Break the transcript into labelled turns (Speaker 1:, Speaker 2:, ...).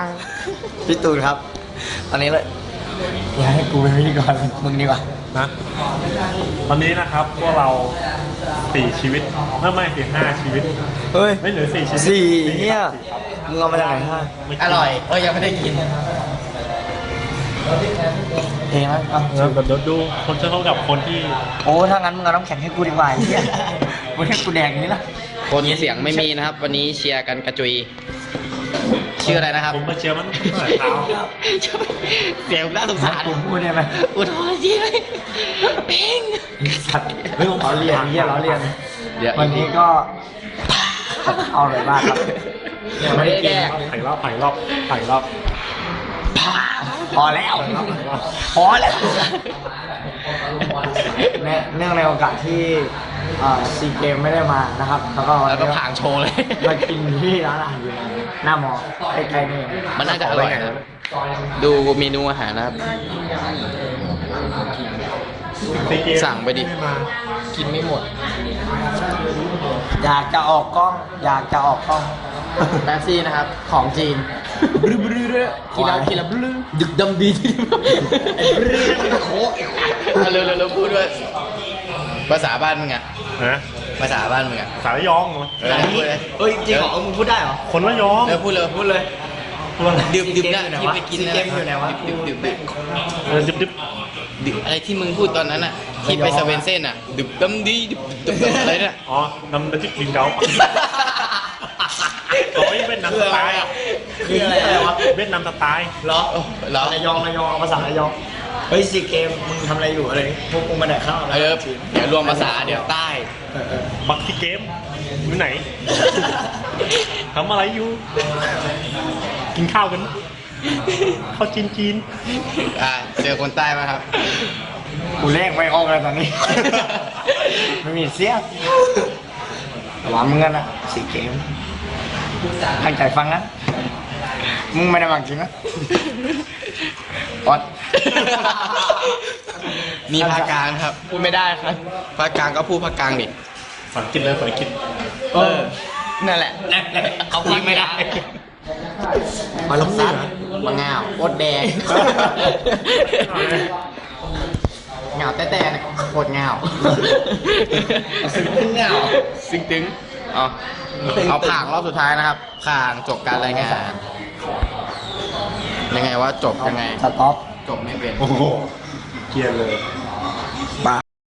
Speaker 1: พี่ตูนครับตอนนี้เลยอย่าให้กูเป็นพิธีกรมึงดีกว่า
Speaker 2: นะตอนนี้นะครับพวกเรา4 ชีวิตไม่ถึง5 ชีวิต
Speaker 1: เฮ้ย
Speaker 2: ไม่เหลือ4 ชีวิต
Speaker 1: สี่เนี่ยมึงเอามาจากไหนฮะอร่อยยังไม่ได้กินเองนะ
Speaker 2: เดี๋ยวดูคนจะเท่ากับคนที่
Speaker 1: โอ้ถ้างั้นมึงเอาน้ำแข็งให้กูดีกว่าไอ้เนี่ยมึงให้กูแดงอย่างนี้ละ
Speaker 3: คนเสียงไม่มีนะครับวันนี้เชียร์กันกระจุยชื่ออะไรนะครับ
Speaker 2: ผมมาเชียร์มันตั้งแต่เช้า
Speaker 3: เสียงน่าสงสาร
Speaker 1: ผมพูดได้ไหม
Speaker 3: อุทธรณ์จีเลยเพ่ง
Speaker 1: สัตว์เฮ้ยผมขอเรียนเราเรียนวันนี้ก็เอาเลยบ้างครับ
Speaker 3: ยังไม่ได้แดก
Speaker 2: ถ่ายรอบ
Speaker 1: พอแล้วเนื่องในโอกาสที่ซีเกมไม่ได้มานะครับแล้วก็
Speaker 3: ผางโชว์เลย
Speaker 1: มากินที่ร้านอาหารอยู่หน้ามอใกล้ๆนี่
Speaker 3: มันน่าจะอร่อยนะดูเมนูอาหารนะครับสั่งไปดิกินไม่หมด
Speaker 1: อยากจะออกกล้อง
Speaker 3: แป๊บซี่นะครับของจีนบลื้อกินแล้วบลื้อดึกดำดีบลื้อโค้เร็วพูดด้วยภาษาบ้านมึงอะภาษาบ้านมึงอะ
Speaker 2: ภาษาระยองเหรอ
Speaker 1: เฮ้ยจริงเหรอมึงพูดได้เหรอ
Speaker 2: คนระยอง
Speaker 3: พูดเลยดื่มนะที่ไปกินนะ
Speaker 1: อยู่ไหนวะ
Speaker 3: ดื่มอะไรที่มึงพูดตอนนั้นอะที่ไปเซเว่นเซ่นอะดึกดำดีดึกอะไรเนี่ย
Speaker 2: อ๋อน้ำจิ้มกินเกาเวียดนามสไตล์อ่ะ
Speaker 1: คืออะไรวะ
Speaker 2: เวียดนามสไตล์
Speaker 1: เหรอระยองภาษาระยองเฮ้ยซีเกมมึงทำอะไรอยู่อะไรพวกมึงมาแดกข้าว
Speaker 3: เดี๋ยวรวมภาษาเดี๋ยวใต้
Speaker 2: บักซีเกมอยู่ไหนทำอะไรอยู่กินข้าวกันข้าวจีน
Speaker 3: เจอคนใต้ไหมครับ
Speaker 1: กูเลขไม่ออกเลยตอนนี้ไม่มีเสียหวานมึงกันอะซีเกมตั้งใจฟังนะมึงไม่ได้มาจริงนะอด
Speaker 3: มีภาคกลางครับพูดไม่ได้ครับภาคกลางก็พูดภาคกลางดิ
Speaker 2: ฝันกินเลยฝันกิน
Speaker 3: นั่นแหละเขาพูดไม่ได้
Speaker 1: มาลงซัด
Speaker 3: มาเงาโคตรแดงเงาแต่เนี่ยโคตรเงา
Speaker 1: ซึ้งเงา
Speaker 3: ซึ้งตึงเอาผ่างรอบสุดท้ายนะครับผ่างจบการรายงานยังไงว่าจบยังไง
Speaker 1: สต็อป
Speaker 3: จบไม่เป็น
Speaker 2: โอ้โหเกียร์เลย